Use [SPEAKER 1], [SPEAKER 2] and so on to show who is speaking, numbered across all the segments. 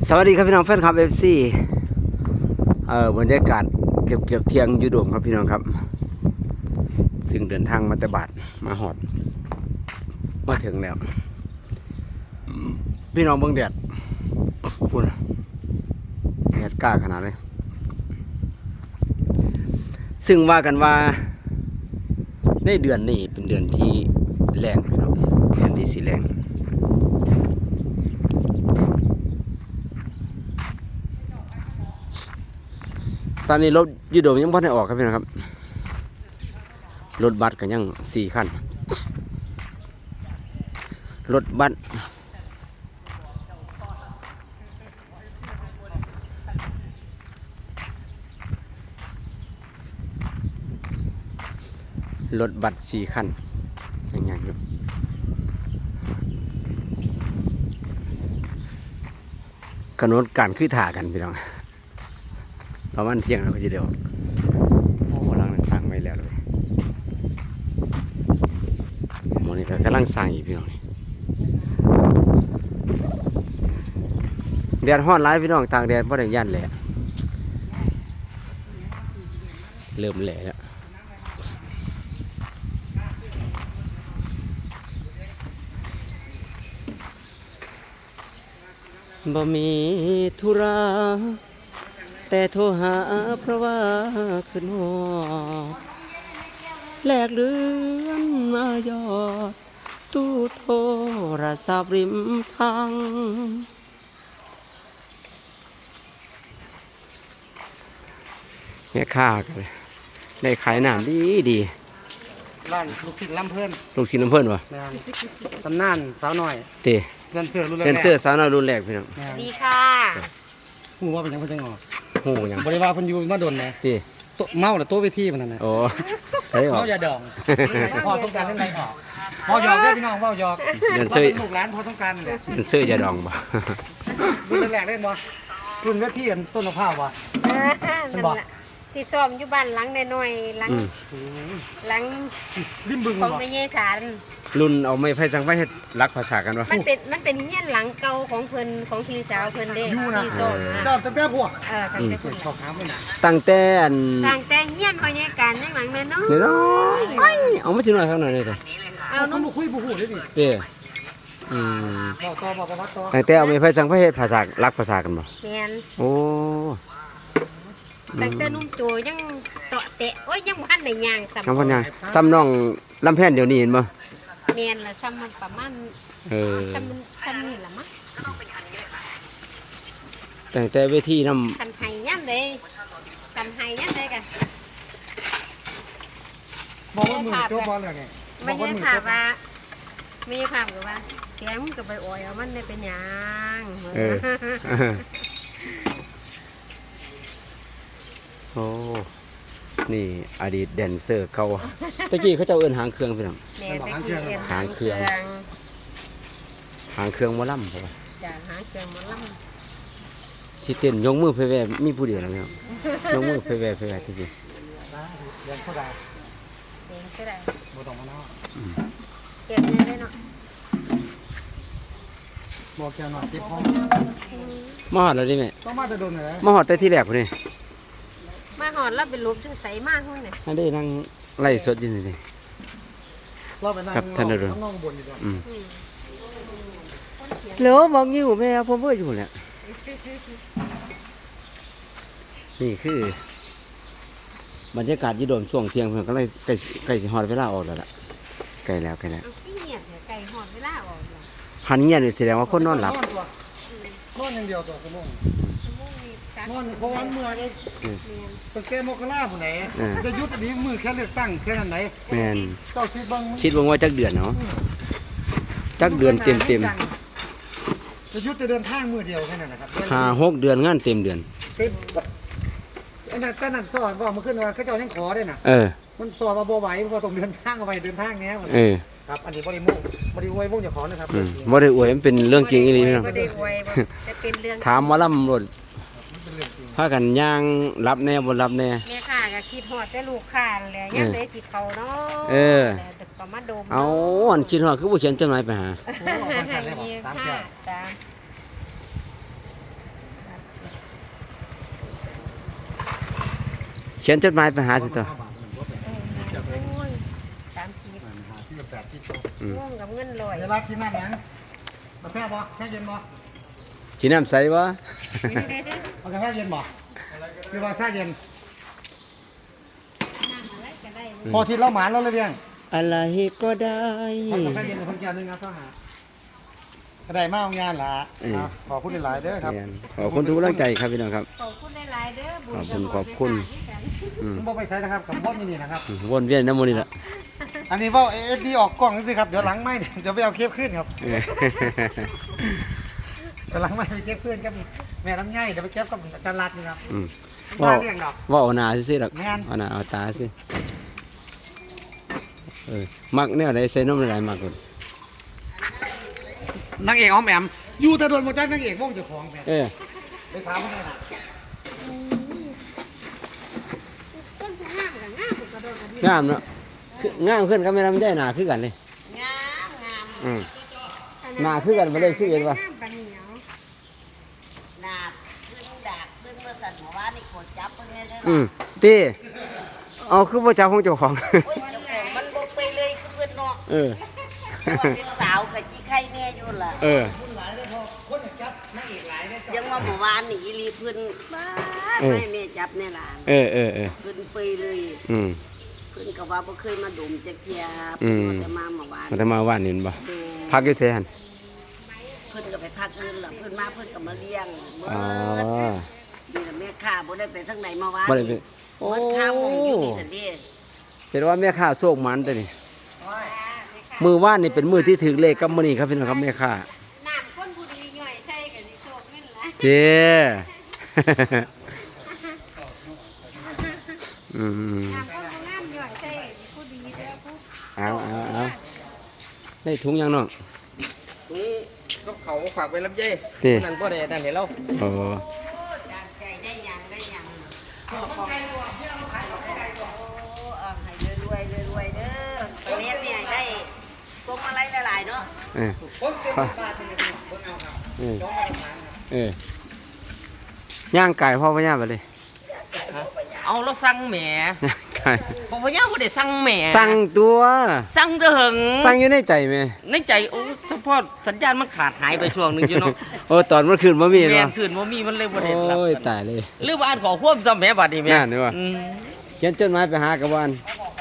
[SPEAKER 1] สวัสดีครับพี่น้องแฟนคลับ FC บรรยากาศเก็บเที่ยงอยู่โดมครับพี่น้องครับซึ่งเดินทางมาแต่บาดมาหอดมาถึงแล้วพี่น้องเบิ่งแดดพูดนะแดดกล้าขนาดเลยซึ่งว่ากันว่าในเดือนนี้เป็นเดือนที่แรงพี่น้องเดือนที่สีแรงตอนนี้รถยูโดมยังบ่ได้ออกครับพี่น้องครับรถบัสก็ยัง4 คันรถบัส4 คันยังอยู่กำหนดการคือถ่ากันพี่น้องประมาณเที่ยงแล้วก็จะเดียวโอ้กำลังสร้างไว้แล้วเลยโมนี่ก็กำลังสร้างอีกพี่น้องแดดร้อนร้ายพี่น้องตากแดดเพราะแดดย่านแหละเริ่มแหละแล้วบ่มีธุระแต่โทรหาเพราะว่าขึ้นหอดแลกเลือนมายอดตู้โทรศัพท์ริมทางแม่ค้ากันได้ขายน้ำดี
[SPEAKER 2] ร้านลูกศิษย์ลำเพิ่น
[SPEAKER 1] ลูกชิ้นน้ำเพิ่นวะ
[SPEAKER 2] ตำนานสาวหน่อย
[SPEAKER 1] เต้
[SPEAKER 2] เรียนเสื้อรุ่นแรก
[SPEAKER 1] เรียนเสื้อสาวน้อยรุ่นแรกพี่น้อง
[SPEAKER 3] ดีค่ะ
[SPEAKER 2] หูว่าเป็นยังเพิ่นจังออก
[SPEAKER 1] หูยัง
[SPEAKER 2] บริวารเพิ่นอยู่มาโดนนะ
[SPEAKER 1] เต้
[SPEAKER 2] เมาหรือโต๊ะเวทีมันนั่นน่ะ
[SPEAKER 1] โอ้เฮ้ยออก
[SPEAKER 2] เมาอย่าดองพอสงกรานต์เล่นไรออกพอหยอกเด้อพี่น้องพอหยอก
[SPEAKER 1] เรียนเสื้อ
[SPEAKER 2] ลูกหลานพอสงกรานต์นั่นแหละ
[SPEAKER 1] เรียนเสื้อยาดองบ่
[SPEAKER 2] รุ่นแรกเล่นบ่รุ่นเวทีอันต้นมะพร้าวบ่
[SPEAKER 3] นั่นแหละที่ซ้อมอยู่บ้านหลังน้อยๆหลัง
[SPEAKER 2] ริมบึง
[SPEAKER 3] ของ
[SPEAKER 2] บ่
[SPEAKER 3] แม่เยสาร
[SPEAKER 1] รุ่นเอาไม้ไผ่สังไว้เฮ็ดรักภาษากันวะ
[SPEAKER 3] มันเป็นเฮียนหลังเก่าของเพิ่นของพี่สาวเพิ่นเด้ที่ซ้อมนะ
[SPEAKER 2] จอดตั้งแต่พวก
[SPEAKER 3] ตั้งแต่เพิ่น
[SPEAKER 2] ชอบถามมันน่ะ
[SPEAKER 1] ตั้งแต่
[SPEAKER 3] ตั้งแต่เฮียนพอใหญ่การในหลังน้อย
[SPEAKER 1] น้อยเอามาสิหน่อยข้างหน่อยเลยเด้
[SPEAKER 2] เอาน้องบ่คุยบ่ฮู้เลยดิ
[SPEAKER 1] เด้
[SPEAKER 2] บอกประวัติต่อ
[SPEAKER 1] ตั้งแต่เอาไม้ไผ่สังไว้เฮ็ดภาษารักภาษากันบ่
[SPEAKER 3] แม่น
[SPEAKER 1] โอ้
[SPEAKER 3] ตั้งแต่นุ่มโจยังเตาะเตะโอ้ยยังบ่ทันได้ย่างซ้ำ
[SPEAKER 1] น้ำพันยางซ้ำน้องลำแพนเดี๋ยวนี้เห็นบ่
[SPEAKER 3] แม่นล่ะซ้ำมันประมาณซ้ำนี่ล่ะมั้ง
[SPEAKER 1] ตั้งแต่เวทีน้
[SPEAKER 3] ำคันไห้ย่ำเลยกันไห้ย่ำเลยกัน
[SPEAKER 2] บอกว่ามือโจ๊กบอลเลยไง
[SPEAKER 3] ไม่ใช่ภาพว่าไม่ใช่ภาพกับว่าเสียงมันกับใบอ่อยเอามันเป็นหยัง
[SPEAKER 1] โอ้นี่อดีตแดนเซอร์เขาตะกี้เขาจะเอิ้นหางเครื่องพี่น้องหางเครื่องหมอลำครับ
[SPEAKER 3] จ้ะหางเครื่องหมอล
[SPEAKER 1] ำที่เต้นยกมือเพแวมีผู้เดียวนะพี่น้องยกมือเพแวที่จริง
[SPEAKER 2] เรียนโซดา
[SPEAKER 3] เองก็ได้
[SPEAKER 2] บ่ต้องมาเนาะ
[SPEAKER 3] เก็บเงินได้เนาะ
[SPEAKER 2] บอกแกหน่อยติดห้อง
[SPEAKER 1] มาหอดแล้วดิแม่
[SPEAKER 2] ต้องมาจะโดนอะไร
[SPEAKER 1] มาหอดแต่ที่แรกพุ่นนี่
[SPEAKER 3] มาหอดแล้วเป็นรูปที่ใสมากพุ่นเนี่ย
[SPEAKER 1] นั่นได้นั่งไล่สดอยู่นี่
[SPEAKER 2] เราไปนั่งน้องบนดีกว่า
[SPEAKER 1] เหลือมองอยู่แม่ผมเบื่ออยู่เนี่ยนี่คือบรรยากาศยี่โดมช่วงเที่ยงเพื่อนก็เลยใกล้สิฮอดเวลาออกแล้วล่ะใกล้แล้ว
[SPEAKER 3] ไก่หอดเวลาออก
[SPEAKER 1] หันเงียบนี่แสดงว่าคนนอนหลับ
[SPEAKER 2] นอนอย่างเดียวตัวสมองนอนเพราะวันเมื่อไงตั้งแต่มกราผู้ไหนจะยุตินี้มือแค่เลือกตั้งแค่นั้นไหน
[SPEAKER 1] แม่น
[SPEAKER 2] เจ้าคิดบ้าง
[SPEAKER 1] ว่าจักเดือนเนาะจักเดือนเต็ม
[SPEAKER 2] จะยุติเดินทางมือเดียวแค่นั้นนะครับ
[SPEAKER 1] 5-6 เดือนงานเต็มเดือน
[SPEAKER 2] อันนั้นแต่นั้นสอนว่ามันขึ้นว่าเขาเจ้ายังขอได้น่ะมันสอนมาบ่ไหวเพราะต้องเดินทางเอาไปเดินทางเนี้ยครับอันนี้บริโภคอย่าขอนะครับ
[SPEAKER 1] บ่ได้อวยมันเป็นเรื่องจริงอีหลีพี่น้อง
[SPEAKER 3] จะเป็นเรื่อง
[SPEAKER 1] ถามหมอลำรถพากันย่างรับแน่บ่รับแน่
[SPEAKER 3] แม่ค่ะก็คิดฮอดแต่ลูกค้าแหละยังได้สิเขาเนาะก็มาดม
[SPEAKER 1] เอาอันคิดฮอดคือบ่เขียนจดหมายไปหาเขียนจดหมายไปหาสิตัว
[SPEAKER 3] โอ้ย30 ง่วงกับเงินลอย
[SPEAKER 2] เวลากินน้ำหยังกาแฟบ่แค่เย็นบ่
[SPEAKER 1] กินน้ำใสบ่
[SPEAKER 2] เอากาแฟเย็นบ่หรือว่าชาเย็น
[SPEAKER 3] น้ำอะไรก็ได้
[SPEAKER 2] พอทิศเราหมานเราเลยเรียง
[SPEAKER 1] อะไรก็ได้
[SPEAKER 2] เอากาแฟเย็นกับเพิ่นแก้วนึงนะเข้าหาก็ได้มาเอางานล่ะขอบคุณหลายๆเด้อครับ
[SPEAKER 1] ขอบคุณทุกกำลังใจครับพี่น้องครับ
[SPEAKER 3] ขอบคุณหลายๆเด้อบุญ
[SPEAKER 1] ขอบคุณ
[SPEAKER 3] กับ
[SPEAKER 2] ผมบอกไปใช้นะครับกับพ่อมินี่นะครับ
[SPEAKER 1] วนเวียนน้ำมันนี่ละ
[SPEAKER 2] อันนี้ว่าเอ็ดดี้ออกกล้องสิครับเดี๋ยวหลังไม่เดี๋ยวไปเอาเคปขึ้นครับเดี๋ยวหลังไม่ไปเก็บขึ้นครับแม่น้ำง่ายเดี๋ยวไปเก็บกับอาจารย์รัตน์นี่ครับ
[SPEAKER 1] ว่า
[SPEAKER 2] เลี้ยงดอก
[SPEAKER 1] ว่าเอาหนาสิหรอก
[SPEAKER 2] แม่น
[SPEAKER 1] เอาหนาเอาตาสิมักเนี่ยอะไรใส่นมอะไรมักกด
[SPEAKER 2] นางเอกอ้อมแอมอยู่แต่โดนโมจักนางเอกวงเจ้าของแม่ไปถามเขาหน่อยนะ
[SPEAKER 3] ต้นผู้งามกับงามผู้กระโดดกระดิ่ง
[SPEAKER 1] งามเนาะงามขึ้นก็ไม่ทำได้หนาคือกันเลย
[SPEAKER 3] งามงาม
[SPEAKER 1] หนาคือกันมาเลยสิเอ็ดวะ
[SPEAKER 3] งามปานเหนียว
[SPEAKER 4] ดาบขึ้นดาบขึ้นเมื่อสันหัวว่านี่กดจับเพิ่นเนี่ยเด้อ
[SPEAKER 1] ตีเอาคือพ่อเจ้าของเจ้าของ
[SPEAKER 4] โอ้ยเจ้าของมันบกไปเลยคือเพิ่นเนาะว่าเป็นสาวกับจีไข่แน่อยู่ล่ะยังว่าเมื่อวานนี่อีหลีเพิ่นบ้าไม่แม่จับแน่ล่ะเพิ่นไปเลยเพิ่นก็ว่าบ่เคยมาดมจักเที่ยเพิ่นแต่มาเมื่อวาน
[SPEAKER 1] มันจะมาว่านนี่บ่
[SPEAKER 4] แม่
[SPEAKER 1] พักอยู่เสียหัน
[SPEAKER 4] เพิ่นก็ไปพักเงินล่ะเพิ่นมาเพิ่นก็มาเลี้ยงเมื่
[SPEAKER 1] อ๋อ
[SPEAKER 4] นี่ล่ะแม่ค้าบ่ได้ไปทางไหนเมื่อวาน
[SPEAKER 1] บ่ได้ไป
[SPEAKER 4] เมื่อค้ามงอยู่นี่ซั่นเด้
[SPEAKER 1] เสร็จว่าแม่ค้าโชคมันตัวนี้มือว่านนี่เป็นมือที่ถือเลขกับมื้อนี้ครับพี่น้องครับแม่ค้า
[SPEAKER 3] น้ำก้นผู้ดีย่อยใส่ก็สิโชคเงินหลาย
[SPEAKER 1] เด้อืม
[SPEAKER 3] น้ำก้นผู้งามย่อยใส่ก็สิผู้ดีเด้อผู้
[SPEAKER 1] เอาได้ถุงยังน้อง
[SPEAKER 5] ก็เขาฝากไปรับเย่
[SPEAKER 1] เด้
[SPEAKER 5] นั่นก็ได้นั่นเห็นแล้ว
[SPEAKER 1] โอ้
[SPEAKER 4] ตามใจได้หยังได้หยังให้รวยๆเด้อไปเลี้ยงเนี่ยได้พวกอะไรหลายๆเนาะ
[SPEAKER 2] คนเต็มบ้านเป็นคนเอาครับจ้องมาทาง
[SPEAKER 1] ย่างไก่พ่อพญาไปเลย
[SPEAKER 5] เอาแล้วสั่งแหม
[SPEAKER 1] ย่างไก่
[SPEAKER 5] ผมพยายามบ่ได้สั่งแหม
[SPEAKER 1] สั่งตัว
[SPEAKER 5] สั่งเถิง
[SPEAKER 1] สั่งอยู่ในใจไหม
[SPEAKER 5] ในใจโอ้เฉพาะสัญญาณมันขาดหายไปช่วงหนึงอยู่เนาะ
[SPEAKER 1] โอ้ตอนเมื่อคืนบ่มี
[SPEAKER 5] แม่
[SPEAKER 1] เนาะ
[SPEAKER 5] นคืนบ่มีมันเลยบ่ได้รับ
[SPEAKER 1] โอ้ยตายเลย
[SPEAKER 5] หรือว่าอ่านขอความซ้ำแหมบัดนี้แม่
[SPEAKER 1] นั่นนี่ว่ะ
[SPEAKER 5] อืม
[SPEAKER 1] เขียนจดหมายไปหากระวาน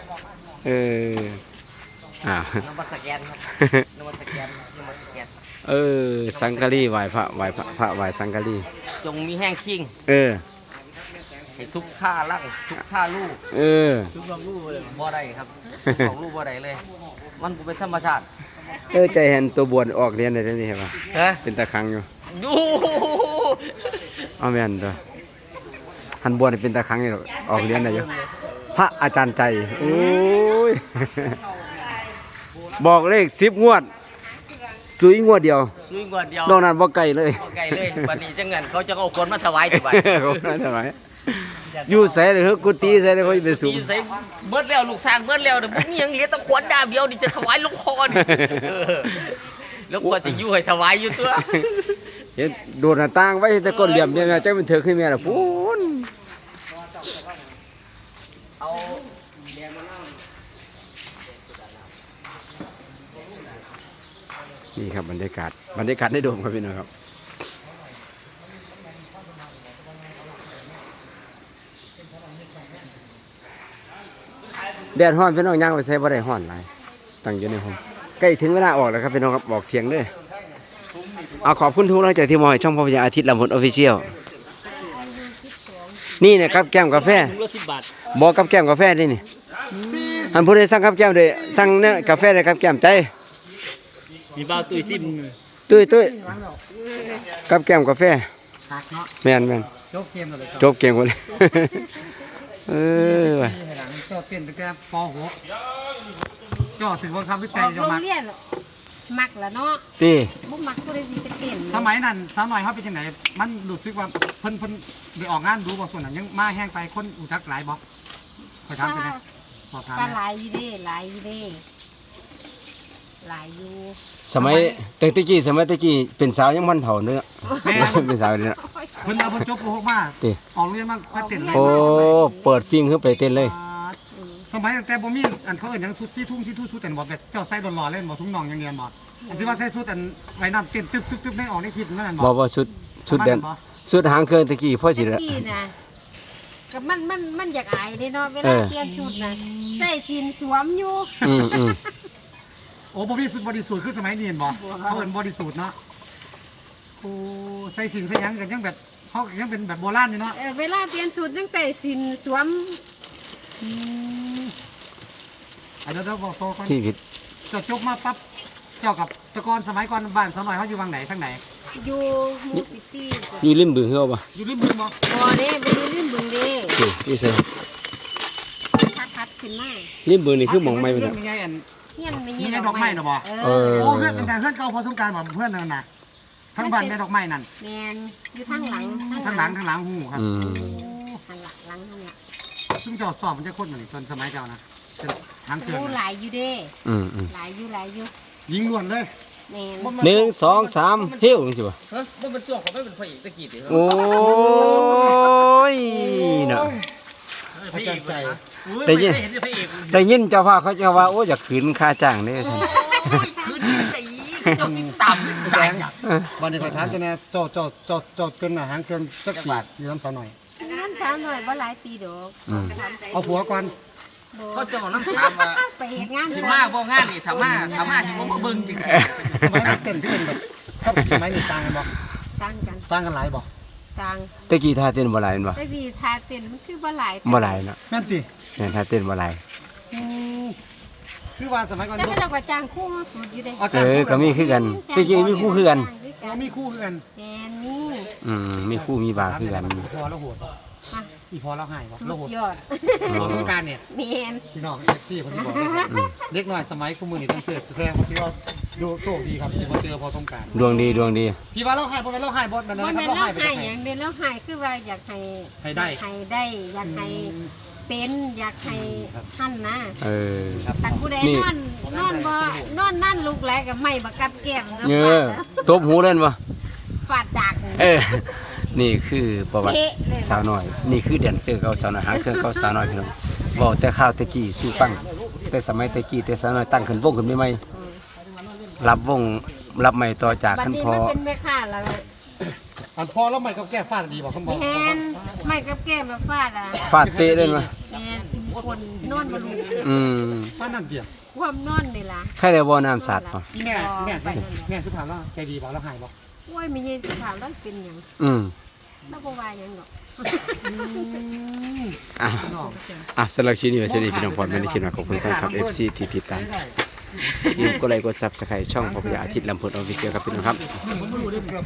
[SPEAKER 1] อ้าว
[SPEAKER 5] นำมาสแกนครับนำมาสแกนนำมาสแกน
[SPEAKER 1] สังกะรีไหวพระไหวสังกะรี
[SPEAKER 5] จงมีแห้งคิงให้ทุกท่าลั่งทุกท่าลูกทุกของลูกเลยบ่ได้ครับทุกของลูกบ่ได้เลย มันบ่เป็นธรรมชาติ
[SPEAKER 1] ใจเห็นตัวบวนออกเรียนได้นี่เห็นป่ะ
[SPEAKER 5] ฮะ
[SPEAKER 1] เป็นตะครังอยู่
[SPEAKER 5] ดู
[SPEAKER 1] เอาแม่นตัวหันบวนนี่เป็นตะครังอยู่ออกเรียนได้อยู่พระอาจารย์ใจโอ้ยบอกเลข10 งวดสุยงวดเดียว
[SPEAKER 5] ซุยกว่าเดียวน
[SPEAKER 1] อกนั้นบ่ไกลเลย
[SPEAKER 5] บ่ไกลเลยบัดนี้จังงั้นเขาจะเอาคนมาถวายที่บัด
[SPEAKER 1] เขาไม่ได้ไหมอยู่ใส่เลยเฮ้ยกุฏิใส่เลยเขาจะไปสูง
[SPEAKER 5] ตีใส่เบิดแล้วลูกสร้างเบิดแล้วเดี๋ยวบ่มีหยังเหลือแต่ขวดดาบเดียวนี่จะถวายหลวงพ่อนี่เออแล้วกว่าจะอยู่ให้ถวายอยู่ตัว
[SPEAKER 1] เห็นโดดหน้าต่างไว้แต่ก้นเหลี่ยมเนี่ยแม่จักเป็นเถอะขึ้นแม่ล่ะพูน
[SPEAKER 5] เอา
[SPEAKER 1] นี่ครับบรรยากาศได้โดมครับพี่น้องครับแดดร้อนพี่น้องย่างไปใส่บ่ได้ร้อนหลายตั้งอยู่ในห้องใกล้ถึงเวลาออกแล้วครับพี่น้องครับบอกเที่ยงเด้อเอาขอบคุณทุกท่านใจที่มองให้ช่องพ่อพญาอาทิตย์ลำพูนออฟฟิเชียลนี่เนี่ยกับแก้มกาแฟ
[SPEAKER 5] ถุงละ10 บาท
[SPEAKER 1] บอกกับแก้มกาแฟนี่นี่อันผู้ใดสั่งกับแก้มเด้สั่งเนี่ยกาแฟได้กับแก้มใจ
[SPEAKER 5] มีบ้าตุ้ยจิ้ม
[SPEAKER 1] ตุ้ยกับแก้มกาแฟ
[SPEAKER 2] หักเนาะ
[SPEAKER 1] แม่น
[SPEAKER 2] จบเกมเลย
[SPEAKER 1] จบเก่งกว่าเลย ว่ะ
[SPEAKER 2] หลังเจ้าเต้นตั้งแต่ป .6 เจ้าถึงว่าคำวิ
[SPEAKER 3] อ
[SPEAKER 2] จัย
[SPEAKER 3] อก
[SPEAKER 2] จะ
[SPEAKER 3] โรง
[SPEAKER 2] มัก
[SPEAKER 3] เรียนมักละเนาะ
[SPEAKER 1] ตี
[SPEAKER 3] บ่มักผู้ใดสิไปเต้น
[SPEAKER 2] สมัยนั้นสาวน้อยเขาเป็นจังไหนมันรู้สึกว่าเพิ่นไปออกงานดูบ่ส่วนนั้นยังมาแห้งไปคนอุทักหลายบ่ขอถามไปนะสอบถาม
[SPEAKER 3] ก็
[SPEAKER 2] นะ
[SPEAKER 3] หลายอยู่เด้หลายอยู่
[SPEAKER 1] สมัยตะกี้เป็นสาวยังมันเฒ่าเนื้อเป็นสาวเนี่ย
[SPEAKER 2] อเพิ่นเอาเพิ่นจบป .6 มา
[SPEAKER 1] ติ
[SPEAKER 2] ออกโรงเรียนมาไปเต้น
[SPEAKER 1] โอ้เปิดซิงขึ้นไปเต้นเลย
[SPEAKER 2] สมัยตั้งแต่บ่มีอันเขาเอิ้นหยังชุดซี่ทุ่งซี่ทุ่งชุดแต่บ่แบบเจ้าใส่ดอนหล่อเล่นบ่ทุ่งน้องอย่างเรียนบ่อันที่ว่าใส่ชุดอันไว้น้ำเต้นตึ๊บในออกในคลิปนั่น
[SPEAKER 1] บ่ว่าชุดแดนชุดหางเครื่องตะกี้พ่อสิ
[SPEAKER 3] ตะ
[SPEAKER 1] ละ
[SPEAKER 3] กี้นะกับมันอยากอายเด้เนาะเวลาเปลี่ยนชุดนะใส่สินสวมอยู่
[SPEAKER 1] อืม
[SPEAKER 2] โอ้บ่มีสุดบริสุทธิ์คือสมัยนี้เห็นบ่เขาเอิ้นบริสุทธิ์เนาะโอ้ใส่สินใส่หยังกันยังแบบเขายังเป็นแบบโบราณอยู่เนาะ
[SPEAKER 3] เวลาเปลี่ยนชุดยังใส่สินสวม
[SPEAKER 2] เดี๋ยวบอกโตก่อน
[SPEAKER 1] ชีวิต
[SPEAKER 2] เจ้าจบมาปั๊บเจ้ากับแตะกอนสมัยก่อนบ้านสาวน้อยเขาอยู่วังไหนทางไหน
[SPEAKER 3] อยู่หมู่14
[SPEAKER 1] อยู่ริมบึงเฮาบ่
[SPEAKER 2] อยู่ริมบึงบ่
[SPEAKER 3] บ่เด้บ่ได้ลืมบึงเด้
[SPEAKER 1] อยู่ไส
[SPEAKER 3] ทัดขึ้นมา
[SPEAKER 1] ริมบึงนี่คือหม่องใหม่บ่
[SPEAKER 2] เรื่
[SPEAKER 1] จ้ะ
[SPEAKER 2] มีไงอัน
[SPEAKER 3] เฮียนไม่
[SPEAKER 2] มีไงดอกไม้น่ะบ่
[SPEAKER 1] เออ
[SPEAKER 2] โอ้เพื่อนแต่เพื่อนเก่าพอสงกรารบ่เพื่อนนั่นน่ะทั้งบ้านแม่ดอกไม้นั่น
[SPEAKER 3] แม่นอยู่ทางหลัง
[SPEAKER 2] ทั้งหลังหูครับ
[SPEAKER 1] อืม
[SPEAKER 3] ทางหลังหลังนั่นล่ะ
[SPEAKER 2] ซึ่งเจ้าสอบมันจะคนเหมือนตอนสมัยเจ้านะเป็นทางเกิน
[SPEAKER 3] โอ้หลายอยู่เด้
[SPEAKER 1] อืม
[SPEAKER 3] หลายอยู่
[SPEAKER 2] ยิงล้วนเลย
[SPEAKER 3] แม่น
[SPEAKER 1] 1 2 3เฮ้วจังซี่บ่
[SPEAKER 5] ฮะมันเป็นตัวของไม่เป็นพระเอกตะกี้ดิ
[SPEAKER 1] โอ้ยเนาะ
[SPEAKER 5] พระเอกใจ
[SPEAKER 1] ได้ยิน
[SPEAKER 5] เห็นพระเอก
[SPEAKER 1] ได้ยินเจ้าว่าเขาจะว่าโอ้อยากขืนค่าจ้างเด้ซั่น
[SPEAKER 5] ขึ้นสีเจ้าติดต่ำ
[SPEAKER 2] แสงวันนี้ไปถามเจ้าแน่เจ้าเกินหน้าหางเกินสักบาทอยู่น้ำสาวหน่อย
[SPEAKER 3] น้ำสาวหน่อยบ่หลายปีดอก
[SPEAKER 1] อืม
[SPEAKER 2] เอาผัวก่อน
[SPEAKER 5] เขาจะบอกน้ำตามว่า
[SPEAKER 3] ไปเฮ็ดงาน
[SPEAKER 5] สิมาบ่งานนี่ทำมาที่ผมมาเบิ่งจริง
[SPEAKER 2] สมัยนั้นเต้นพี่เต้นแบบกับสมัยนี้ต่างกันบ่
[SPEAKER 3] ต่างกัน
[SPEAKER 2] ต่างกันหลายบ่
[SPEAKER 3] ต่าง
[SPEAKER 1] ตะกี้ท่าเต้นบ่หลายแม่นบ่
[SPEAKER 3] แต่ดีทาเต้นมันคือบ่หลาย
[SPEAKER 1] บ่หลายเนาะ
[SPEAKER 2] แม่นติ
[SPEAKER 1] แม่นท่าเต้นบ่หลาย
[SPEAKER 2] คือว่าสมัยก่อน
[SPEAKER 3] แต่ก็เราก็จ้างคู่มาฝึกอยู่เด้
[SPEAKER 1] เออก็มีคือกันตะกี้มีคู่คือกัน
[SPEAKER 2] มีคู่คือกัน
[SPEAKER 3] แม่นี่
[SPEAKER 1] มีคู่มีบาคือกัน
[SPEAKER 2] อีพอแล้วโหดบ่
[SPEAKER 3] มา
[SPEAKER 2] อีพอแล้วหายบ่
[SPEAKER 3] สุ
[SPEAKER 2] แล้ว
[SPEAKER 3] ด
[SPEAKER 2] โหด
[SPEAKER 3] ยอด
[SPEAKER 2] พอสงกรารเนี่ย
[SPEAKER 3] แม่น
[SPEAKER 2] พี่น้อง FC คนที่บอกเลยครับเด็กน้อยสมัยคู่มือนี่ต้องเสื้อแสดงว่าที่ว่าดูโชคดีครับที่มาเจอพอสงกราร
[SPEAKER 1] ดวงดีดวงดี
[SPEAKER 2] ที่ว่าเราหายบ่แม่นเราหายบ่นั่น
[SPEAKER 3] บ่
[SPEAKER 2] นะค
[SPEAKER 3] แม่
[SPEAKER 2] รับ
[SPEAKER 3] น
[SPEAKER 2] เรา
[SPEAKER 3] เรา
[SPEAKER 2] หายไป
[SPEAKER 3] ให้
[SPEAKER 2] ไหน
[SPEAKER 3] หยังเด้เราให้คือว่าอยากให้
[SPEAKER 2] ให้ได้
[SPEAKER 3] ให้ได้อยากให้เป็นอยากให้ท่านนะ
[SPEAKER 1] เออ
[SPEAKER 3] คันผู้ใด
[SPEAKER 1] นี่
[SPEAKER 3] นอนบ่นอนนั่นลูกหลายก็ไม่บักกับแก้มแล้ว
[SPEAKER 1] เงอตบหูเล่นบ่
[SPEAKER 3] ฟาดดัก
[SPEAKER 1] เออ นี่คือประวัติ
[SPEAKER 3] เอ๊ะเลย
[SPEAKER 1] สาวน้อย นี่คือแดนเซอร์เขาสาวน้อยหางเครื่องเขาสาวน้อยพี่น้องบอกแต่ข้าวตะกี้สู้ฟังแต่สมัยตะกี้แต่สาวน้อยตั้งขึ้นวงขึ้นใหม่ๆรับวงรับใหม่ต่อจาก
[SPEAKER 3] บัด
[SPEAKER 1] ขั้น
[SPEAKER 3] นี้
[SPEAKER 1] พอ
[SPEAKER 3] มันเป็นแม่ค้าแล้ว
[SPEAKER 2] อันพอแล้วใหม่กับแก้ฟาดดีบ่คำบอก
[SPEAKER 3] แม่นไม่กับแก้มแล้วฟาดอ่ะ
[SPEAKER 1] ฟาดเตะเล่นมา
[SPEAKER 3] แม่นคนนอนบ่รู้
[SPEAKER 1] อืม
[SPEAKER 2] ป้านั่นเดียว
[SPEAKER 3] ความนอนนี่ล่ะ
[SPEAKER 1] ใครได้บ่น้ำสาดป่ะ
[SPEAKER 2] แม่สุภาพแล้วใจดีบ่แล้วหายบ่
[SPEAKER 3] โอ้ยมีเย็นสิถามแล้วเป็นหยัง
[SPEAKER 1] อืม
[SPEAKER 3] แล้วบ่ว่าหยังดอก
[SPEAKER 1] อ่ะสำหรับคลิปนี้ไว้สวัสดีพี่น้องพรไม่ได้คิดมาขอบคุณแฟนคลับ FC ที่ติดตามอย่าลืมกดไลค์กด Subscribe ช่องพบยาอาทิตย์ลำพูนออฟฟิเชียลครับพี่น้องครับ
[SPEAKER 2] ผมไม่รู้ได้เพื่อ